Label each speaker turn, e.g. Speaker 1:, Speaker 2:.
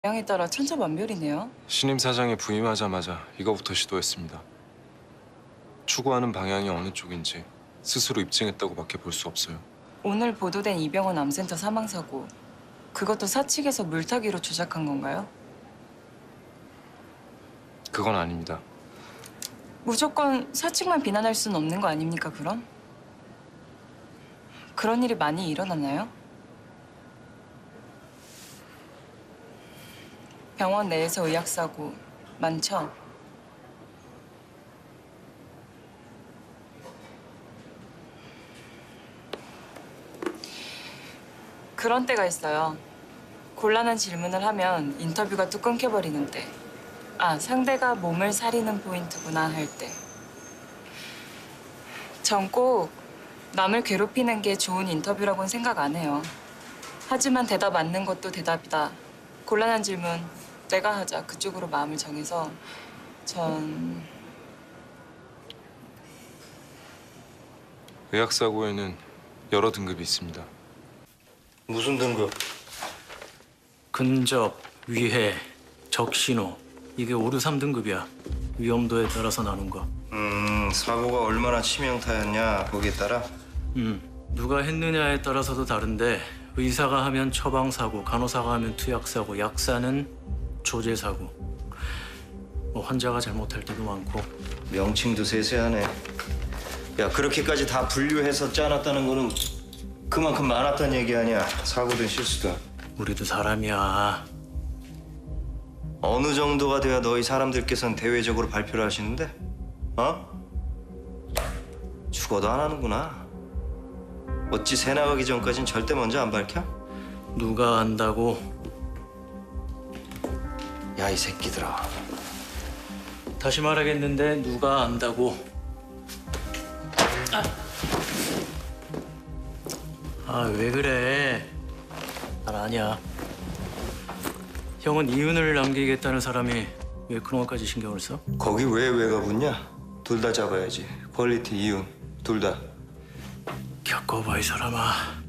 Speaker 1: 방향에 따라 천차만별이네요.
Speaker 2: 신임 사장이 부임하자마자 이거부터 시도했습니다. 추구하는 방향이 어느 쪽인지 스스로 입증했다고밖에 볼 수 없어요.
Speaker 1: 오늘 보도된 이병헌 암센터 사망 사고, 그것도 사측에서 물타기로 조작한 건가요?
Speaker 2: 그건 아닙니다.
Speaker 1: 무조건 사측만 비난할 수는 없는 거 아닙니까, 그럼? 그런 일이 많이 일어나나요? 병원 내에서 의학사고 많죠? 그런 때가 있어요. 곤란한 질문을 하면 인터뷰가 뚝 끊겨버리는데, 아, 상대가 몸을 사리는 포인트구나 할 때. 전 꼭 남을 괴롭히는 게 좋은 인터뷰라고는 생각 안 해요. 하지만 대답 맞는 것도 대답이다. 곤란한 질문 내가 하자. 그쪽으로 마음을 정해서 전
Speaker 2: 의학사고에는 여러 등급이 있습니다.
Speaker 3: 무슨 등급?
Speaker 4: 근접, 위해, 적신호. 이게 5, 6, 3등급이야. 위험도에 따라서 나눈 거.
Speaker 3: 사고가 얼마나 치명타였냐 거기에 따라.
Speaker 4: 누가 했느냐에 따라서도 다른데 의사가 하면 처방사고, 간호사가 하면 투약사고, 약사는 조제사고. 뭐 환자가 잘못할 때도 많고.
Speaker 3: 명칭도 세세하네. 야, 그렇게까지 다 분류해서 짜놨다는 거는 그만큼 많았다는 얘기 아니야. 사고든 실수든.
Speaker 4: 우리도 사람이야.
Speaker 3: 어느 정도가 돼야 너희 사람들께서는 대외적으로 발표를 하시는데? 어? 죽어도 안 하는구나. 어찌 새 나가기 전까진 절대 먼저 안 밝혀?
Speaker 4: 누가 안다고?
Speaker 3: 야, 이 새끼들아.
Speaker 4: 다시 말하겠는데 누가 안다고? 왜 그래? 난 아니야. 형은 이윤을 남기겠다는 사람이 왜 그런 것까지 신경을 써?
Speaker 3: 거기 왜 왜가 붙냐? 둘 다 잡아야지. 퀄리티, 이윤, 둘 다.
Speaker 4: 겪어봐, 이 사람아.